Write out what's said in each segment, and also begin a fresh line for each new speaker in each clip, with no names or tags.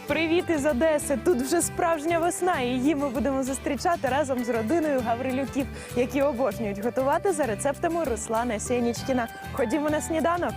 Привіт із Одеси! Тут вже справжня весна, і її ми будемо зустрічати разом з родиною Гаврилюків, які обожнюють готувати за рецептами Руслана Сєнічкіна. Ходімо на сніданок!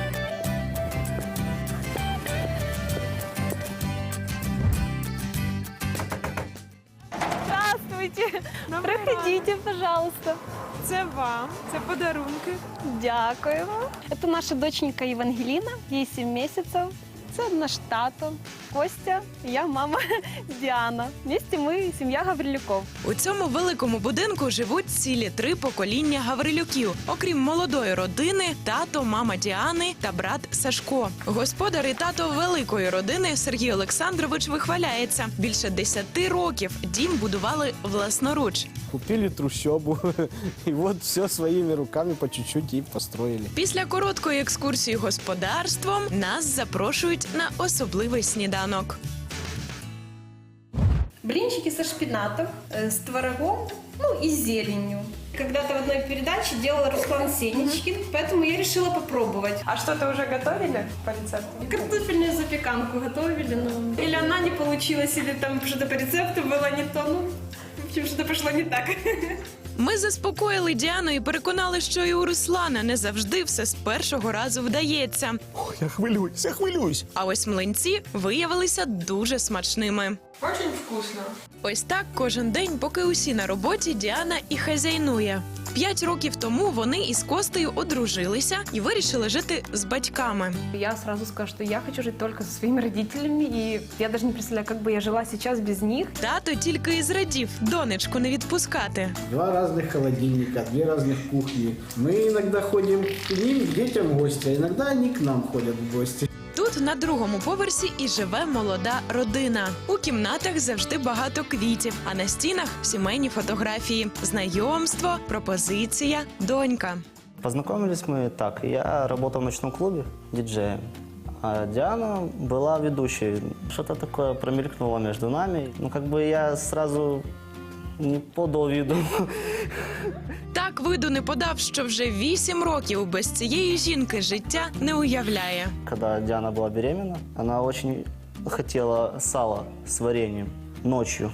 Здравствуйте! Проходите, пожалуйста.
Це вам, це подарунки.
Дякуємо. Это наша доченька Евангелина, ей 7 месяцев. Це наш тато Костя, я мама Діана. Вместе ми сім'я Гаврилюков.
У цьому великому будинку живуть цілі 3 покоління Гаврилюків. Окрім молодої родини, тато, мама Діани та брат Сашко. Господар і тато великої родини Сергій Олександрович вихваляється. Більше 10 років дім будували власноруч.
Купили трущобу, и вот все своими руками по чуть-чуть и построили.
Після короткої екскурсії господарством нас запрошують на особливий сніданок.
Блинчики со шпинатом, с творогом, и с зеленью. Когда-то в одной передаче делала Руслан Сенечкин, поэтому я решила попробовать.
А что-то уже готовили по рецепту?
Картофельную запеканку готовили, но или она не получилась, или там что-то по рецепту было не то, в общем, что-то пошло не так.
Ми заспокоїли Діану і переконали, що і у Руслана не завжди все з першого разу вдається.
Ой, я хвилююсь.
А ось млинці виявилися дуже смачними.
Очень вкусно.
Ось так кожен день, поки усі на роботі, Діана і хазяйнує. 5 років тому вони із Костею одружилися і вирішили жити з батьками.
Я сразу скажу, что я хочу жить только со своими родителями, и я даже не представляю, как бы я жила сейчас без них.
Тато тільки і зрадів донечку не відпускати.
2 разных холодильника, 2 разных кухни. Мы иногда ходим к ним, к детям в гости, а иногда они к нам ходят в гости.
Тут на другому поверсі і живе молода родина. У кімнатах завжди багато квітів, а на стінах сімейні фотографії, знайомство, пропозиція, донька.
Познакомились мы так. Я работал в ночном клубе диджеем, а Диана была ведущей. Что-то такое промелькнуло между нами. Я сразу не подал виду.
Так виду не подав, що вже 8 років без цієї жінки життя не уявляє.
Когда Диана была беременна, она очень хотела сало с вареньем ночью.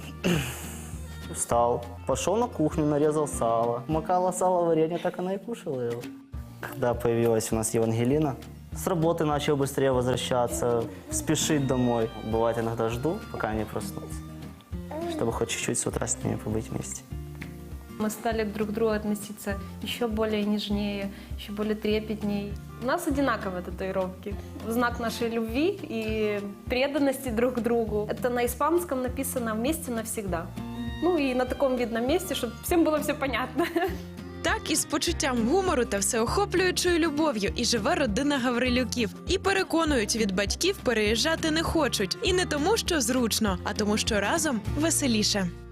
Встал, пошел на кухню, нарезал сало. Макала сало в варенье, так она и кушала его. Когда появилась у нас Евангелина, с работы начал быстрее возвращаться, спешить домой. Бывает, иногда жду, пока они проснутся, чтобы хоть чуть-чуть с утра с ними побыть вместе.
Мы стали друг к другу относиться еще более нежнее, еще более трепетней. У нас одинаковые татуировки. В знак нашей любви и преданности друг к другу. Это на испанском написано «Вместе навсегда». И на таком видном месте, чтобы всем было все понятно.
Так із почуттям гумору та всеохоплюючою любов'ю і живе родина Гаврилюків. І переконують, від батьків переїжджати не хочуть. І не тому, що зручно, а тому, що разом веселіше.